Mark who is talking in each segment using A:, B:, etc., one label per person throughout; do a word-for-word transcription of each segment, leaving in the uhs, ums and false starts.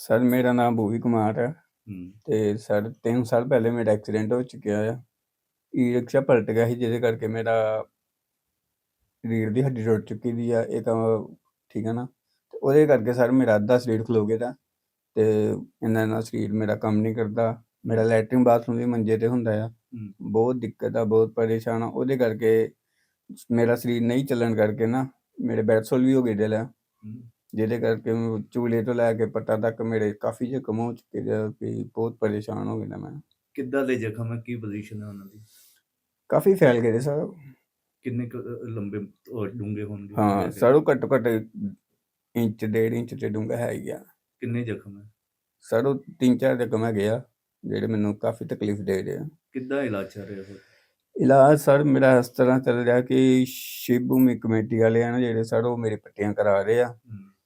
A: Sir ਮੇਰਾ ਨਾਮ ਭੂਵੀ ਕੁਮਾਰ ਹੈ
B: ਹੂੰ।
A: ਤੇ ਸਰ ਤਿੰਨ ਸਾਲ ਪਹਿਲੇ ਮੇਰਾ ਐਕਸੀਡੈਂਟ ਹੋ ਚੁੱਕਿਆ ਆ। ਈ ਰਿਕਸ਼ਾ ਪਲਟ ਗਿਆ ਸੀ ਜਿਹਦੇ ਕਰਕੇ ਮੇਰਾ ਰੀੜ੍ਹ ਦੀ ਹੱਡੀ ਟੁੱਟ ਚੁੱਕੀ ਦੀ ਆ ਇਹ ਤਾਂ ਠੀਕ ਹੈ ਨਾ। ਤੇ ਉਹਦੇ ਕਰਕੇ ਸਰ ਮੇਰਾ ਅੱਧਾ ਸਰੀਰ ਖਲੋ ਗਿਆ ਦਾ ਤੇ ਇੰਨਾ ਇੰਨਾ ਸਰੀਰ ਮੇਰਾ ਕੰਮ ਨਹੀਂ ਕਰਦਾ। ਮੇਰਾ ਲੈਟਰਿਨ ਬਾਥਰੂਮ ਵੀ ਮੰਜੇ ਤੇ ਹੁੰਦਾ ਆ।
B: ਹੂੰ।
A: ਬਹੁਤ ਦਿੱਕਤ ਆ, ਬਹੁਤ ਪਰੇਸ਼ਾਨ ਆ। ਉਹਦੇ ਕਰਕੇ ਮੇਰਾ ਸਰੀਰ ਨਹੀਂ ਚੱਲਣ ਕਰਕੇ ਨਾ ਮੇਰੇ ਬੈਡਸੋਲ ਵੀ ਹੋ ਗਏ ਦਿਲ ਆ,
B: ਹੂੰ।
A: ਜਿਹਦੇ ਕਰਕੇ ਚੂਲੇ ਤੋਂ ਲੈ ਕੇ ਪੱਟਾਂ ਤੱਕ ਮੇਰੇ ਕਾਫੀ ਜ਼ਖਮ ਹੋ ਚੁੱਕੇ ਆ ਕਿ ਬਹੁਤ ਪਰੇਸ਼ਾਨ ਹੋ ਗਿਆ ਮੈਂ।
B: ਕਿੱਦਾਂ ਦੇ ਜ਼ਖਮ ਹੈ, ਕੀ ਪੋਜੀਸ਼ਨ ਹੈ ਉਹਨਾਂ ਦੀ?
A: ਕਾਫੀ ਫੈਲ ਗਏ ਸਰ।
B: ਕਿੰਨੇ ਕੁ ਲੰਬੇ ਔਰ ਡੂੰਘੇ ਹੋਣਗੇ?
A: ਹਾਂ ਸਰ ਉਹ ਘੱਟੋ ਘੱਟ ਇੰਚ ਡੇਢ ਇੰਚ ਤੇ ਡੂੰਘਾ ਹੈ ਹੀ ਆ।
B: ਕਿੰਨੇ ਜ਼ਖਮ ਹੈ
A: ਸਰ? ਉਹ ਤਿੰਨ ਚਾਰ ਜ਼ਖਮ ਹੈਗੇ ਆ ਜਿਹੜੇ ਮੈਨੂੰ ਕਾਫੀ ਤਕਲੀਫ ਦੇ ਰਹੇ ਆ।
B: ਕਿੱਦਾਂ ਇਲਾਜ ਚੱਲ ਰਿਹਾ ਫਿਰ?
A: ਇਲਾਜ ਸਰ ਮੇਰਾ ਇਸ ਤਰ੍ਹਾਂ ਚੱਲ ਰਿਹਾ ਕਿ ਸ਼ਿਵ ਭੂਮੀ ਕਮੇਟੀ ਵਾਲੇ ਆ ਨਾ ਜਿਹੜੇ ਸਰ ਉਹ ਮੇਰੇ ਪੱਟੀਆਂ ਕਰਾ ਰਹੇ ਆ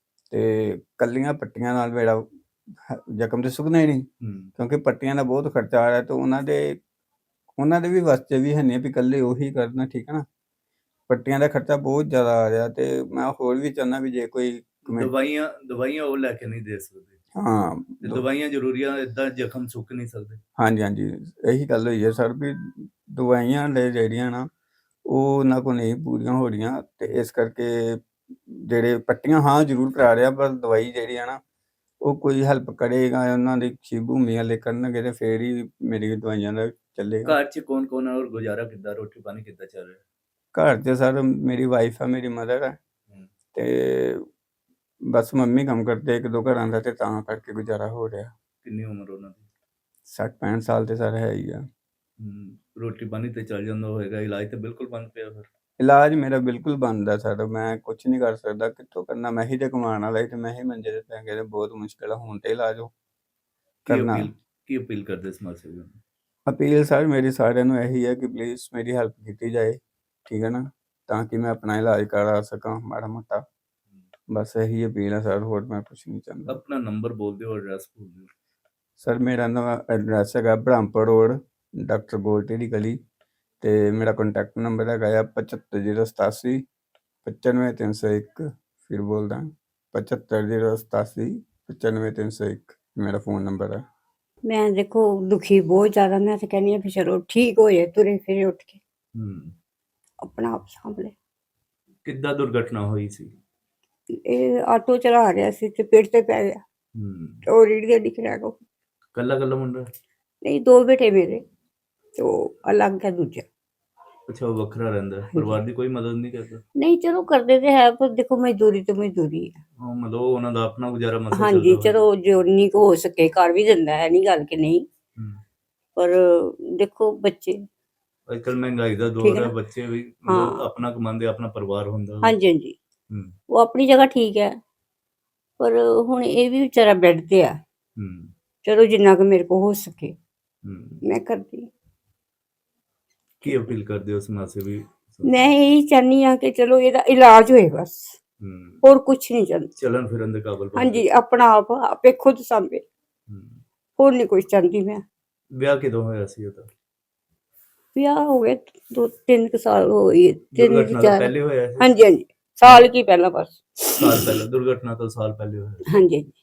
A: ਤੇ ਕੱਲੀਆਂ ਪੱਟੀਆਂ ਨਾਲ ਮੇਰਾ ਜ਼ਖਮ ਤੇ ਸੁੱਕਣਾ ਹੀ ਨਹੀਂ ਕਿਉਂਕਿ ਪੱਟੀਆਂ ਦਾ ਬਹੁਤ ਖਰਚਾ ਆ ਰਿਹਾ ਤੇ ਉਹਨਾਂ ਦੇ ਉਹਨਾਂ ਦੇ ਵੀ ਵਾਸਤੇ ਵੀ ਹੈ ਨਹੀਂ ਵੀ ਇਕੱਲੇ ਉਹੀ ਕਰਨਾ, ਠੀਕ ਹੈ ਨਾ। ਪੱਟੀਆਂ ਦਾ ਖਰਚਾ ਬਹੁਤ ਜ਼ਿਆਦਾ ਆ ਰਿਹਾ ਤੇ ਮੈਂ ਹੋਰ ਵੀ ਚਾਹੁੰਦਾ ਵੀ ਜੇ ਕੋਈ
B: ਦਵਾਈਆਂ ਦਵਾਈਆਂ ਉਹ ਲੈ ਕੇ ਨਹੀਂ ਦੇ ਸਕਦੇ।
A: ਹਾਂ
B: ਦਵਾਈਆਂ ਜ਼ਰੂਰੀਆਂ, ਏਦਾਂ ਜ਼ਖਮ ਸੁੱਕ ਨਹੀਂ ਸਕਦੇ।
A: ਹਾਂਜੀ ਹਾਂਜੀ ਇਹੀ ਗੱਲ ਹੋਈ ਹੈ ਸਰ ਵੀ ਦਵਾਈਆਂ ਲੈ ਜਿਹੜੀਆਂ ਨਾ ਉਹ ਉਹਨਾਂ ਕੋਲ ਨਹੀਂ ਪੂਰੀਆਂ ਹੋ ਰਹੀਆਂ ਤੇ ਇਸ ਕਰਕੇ ਜਿਹੜੇ ਪੱਟੀਆਂ ਹਾਂ ਜ਼ਰੂਰ ਕਰਾ ਰਿਹਾ ਪਰ ਦਵਾਈ ਜਿਹੜੀ ਆ ਨਾ ਉਹ ਕੋਈ ਹੈਲਪ ਕਰੇਗਾ ਉਹਨਾਂ ਦੀ ਸ਼ਿਵ ਭੂਮੀ ਵਾਲੇ ਕਰਨਗੇ ਤੇ ਫੇਰ ਹੀ ਮੇਰੀ ਦਵਾਈਆਂ ਦਾ ਚੱਲੇਗਾ।
B: ਘਰ 'ਚ ਕੌਣ ਕੌਣ ਹੈ ਔਰ ਗੁਜ਼ਾਰਾ ਕਿੱਦਾਂ, ਰੋਟੀ ਪਾਣੀ ਕਿੱਦਾਂ ਚੱਲ ਰਿਹਾ?
A: ਘਰ 'ਚ ਸਰ ਮੇਰੀ ਵਾਈਫ ਆ, ਮੇਰੀ ਮਦਰ ਹੈ ਤੇ ਬਸ ਮੰਮੀ ਕੰਮ ਕਰਦੇ ਇੱਕ ਦੋ ਘਰਾਂ ਦਾ ਤੇ ਤਾਂ ਕਰਕੇ ਗੁਜ਼ਾਰਾ ਹੋ ਰਿਹਾ।
B: ਕਿੰਨੀ ਉਮਰ ਉਹਨਾਂ ਦੀ?
A: ਸੱਠ ਪੈਂਹਠ ਸਾਲ ਤੇ ਸਰ ਹੈ ਹੀ ਆ।
B: ਰੋਟੀ ਪਾਣੀ ਤੇ ਚੱਲ ਜਾਂਦਾ ਹੋਏਗਾ, ਇਲਾਜ ਤੇ ਬਿਲਕੁਲ ਬੰਦ ਪਿਆ ਫਿਰ? ਇਲਾਜ
A: ਮੇਰਾ ਬਿਲਕੁਲ ਬੰਦ ਆ ਸਰ, ਮੈਂ ਕੁਛ ਨਹੀਂ ਕਰ ਸਕਦਾ। ਕਿੱਥੋਂ ਕਰਨਾ? ਮੈਂ ਹੀ ਤੇ ਕਮਾਉਣ ਵਾਲਾ ਤੇ ਮੈਂ ਹੀ ਮੰਜੇ ਤੇ ਪੈ ਗਿਆ ਤੇ ਬਹੁਤ ਮੁਸ਼ਕਿਲ ਆ ਹੁਣ ਤੇ ਇਲਾਜ ਕਰਨਾ।
B: ਕੀ ਅਪੀਲ ਕਰਦੇ ਸਮਾਜ ਸੇਵੀਆਂ ਨੂੰ?
A: ਅਪੀਲ ਸਰ ਮੇਰੀ ਸਾਰਿਆਂ ਨੂੰ ਇਹੀ ਹੈ ਕਿ ਪਲੀਜ਼ ਮੇਰੀ ਹੈਲਪ ਕੀਤੀ ਜਾਏ, ਠੀਕ ਹੈ ਨਾ, ਤਾਂ ਕਿ ਮੈਂ ਆਪਣਾ ਇਲਾਜ ਕਰਾ ਸਕਾਂ ਮਾੜਾ ਮੋਟਾ। ਬਸ ਇਹੀ ਅਪੀਲ ਹੈ ਸਰ, ਹੋਰ ਮੈਂ ਕੁਛ ਨਹੀਂ ਚਾਹੁੰਦਾ।
B: ਆਪਣਾ ਨੰਬਰ ਬੋਲ ਦਿਓ, ਐਡਰੈਸ ਬੋਲ ਦਿਓ।
A: ਸਰ ਮੇਰਾ ਨਵਾਂ ਐਡਰੈਸ ਹੈਗਾ ਬ੍ਰਹਮਪੁਰ ਰੋਡ, ਡਾਕਟਰ ਗੋਲਟੀ ਦੀ ਗਲੀ ਤੇ ਮੇਰਾ ਕੰਟੈਕਟ ਨੰਬਰ ਹੈਗਾ ਆ ਪਝੱਤਰ ਜ਼ੀਰੋ ਸਤਾਸੀ ਪਚਾਨਵੇਂ ਤਿੰਨ ਸੌ ਇੱਕ। ਫਿਰ ਬੋਲਦਾ ਪਝੱਤਰ ਜ਼ੀਰੋ ਸਤਾਸੀ ਪਚਾਨਵੇਂ ਤਿੰਨ ਸੌ ਇੱਕ ਮੇਰਾ ਫ਼ੋਨ ਨੰਬਰ ਹੈ।
C: ਮੈਂ ਦੇਖੋ ਦੁਖੀ ਬਹੁਤ ਜ਼ਿਆਦਾ, ਮੈਂ ਤਾਂ ਕਹਿੰਦੀ ਹਾਂ ਵੀ ਚਲੋ ਠੀਕ ਹੋ ਜਾਏ, ਤੁਰੇ ਫਿਰੇ ਉੱਠ ਕੇ ਆਪਣਾ ਆਪ ਸਾਂਭ ਲੈ।
B: ਕਿੱਦਾਂ ਦੁਰਘਟਨਾ ਹੋਈ ਸੀ?
C: ਇਹ ਆਟੋ ਚਲਾ ਰਿਹਾ ਸੀ ਤੇ ਪੇੜ ਤੇ ਪੈ ਗਿਆ ਉਹ ਰੀੜ ਦੀ ਹੱਡੀ ਕਰੈਕ ਹੋ ਗਈ।
B: ਕੱਲਾ ਕੱਲਾ ਮੁੰਡਾ?
C: ਨਹੀਂ, ਦੋ ਬੇਟੇ ਮੇਰੇ ਤੇ ਉਹ ਅਲੱਗ ਹੈ ਦੂਜਾ।
B: ਅੱਛਾ, ਉਹ ਵੱਖਰਾ ਰਹਿੰਦਾ, ਪਰਿਵਾਰ ਦੀ ਕੋਈ ਮਦਦ ਨਹੀਂ ਕਰਦਾ?
C: ਨਹੀਂ ਚਲੋ ਕਰਦੇ ਤੇ ਹੈ ਪਰ ਦੇਖੋ ਮਜ਼ਦੂਰੀ ਤੇ ਮਜ਼ਦੂਰੀ ਹੈ।
B: ਹਾਂ ਮਤਲਬ ਉਹਨਾਂ ਦਾ ਆਪਣਾ ਗੁਜ਼ਾਰਾ ਮਸਲਾ
C: ਹਾਂਜੀ ਚਲੋ ਜੋ ਨਹੀਂ ਕੁ ਹੋ ਸਕੇ ਕਰ ਵੀ ਦਿੰਦਾ ਹੈ, ਨਹੀਂ ਗੱਲ ਕਿ ਨਹੀਂ, ਪਰ ਦੇਖੋ ਬੱਚੇ
B: ਅੱਜ ਕੱਲ ਮਹਿੰਗਾਈ ਦਾ ਦੌਰ ਹੈ, ਬੱਚੇ ਵੀ ਮਤਲਬ ਆਪਣਾ ਕਮਾਉਂਦੇ, ਆਪਣਾ ਪਰਿਵਾਰ ਹੁੰਦਾ।
C: ਹਾਂਜੀ ਹਾਂਜੀ ਉਹ ਆਪਣੀ ਜਗ੍ਹਾ ਠੀਕ ਹੈ ਪਰ ਹੁਣ ਇਹ ਵੀ ਵਿਚਾਰਾ ਬੈੱਡ ਤੇ ਆ। ਚਲੋ ਜਿੰਨਾ ਕੁ ਮੇਰੇ ਕੋਲ ਹੋ ਸਕੇ ਮੈਂ ਕਰਦੀ।
B: ਕੀ ਅਪੀਲ ਕਰਦੇ ਹੋ ਸਮਾਜ ਸੇਵੀ?
C: ਮੈਂ ਇਹੀ ਚਾਹੁੰਦੀ ਹਾਂ ਕਿ ਚਲੋ ਇਹਦਾ ਇਲਾਜ ਹੋਏ ਬਸ, ਹੋਰ ਕੁਛ ਨਹੀਂ ਚਾਹੁੰਦੀ।
B: ਚਲਣ ਫਿਰਨ ਦੇ ਕਾਬਲ?
C: ਹਾਂਜੀ, ਆਪਣਾ ਆਪ ਆਪੇ ਖੁਦ ਸਾਂਭੇ, ਹੋਰ ਨਹੀਂ ਕੁਛ ਚਾਹੁੰਦੀ ਮੈਂ।
B: ਵਿਆਹ ਕਿਦੋਂ ਹੋਇਆ ਸੀ ਉਹਦਾ?
C: ਵਿਆਹ ਹੋ ਗਏ ਦੋ ਤਿੰਨ ਕੁ ਸਾਲ ਹੋ ਗਏ।
B: ਦੁਰਘਟਨਾ ਤੋਂ ਪਹਿਲੇ ਹੋਇਆ ਸੀ?
C: ਹਾਂਜੀ ਹਾਂਜੀ, ਸਾਲ ਕੀ ਪਹਿਲਾਂ, ਬਸ
B: ਸਾਲ ਪਹਿਲਾਂ, ਦੁਰਘਟਨਾ ਤੋਂ ਸਾਲ ਪਹਿਲੇ ਹੋਇਆ।
C: ਹਾਂਜੀ ਹਾਂਜੀ।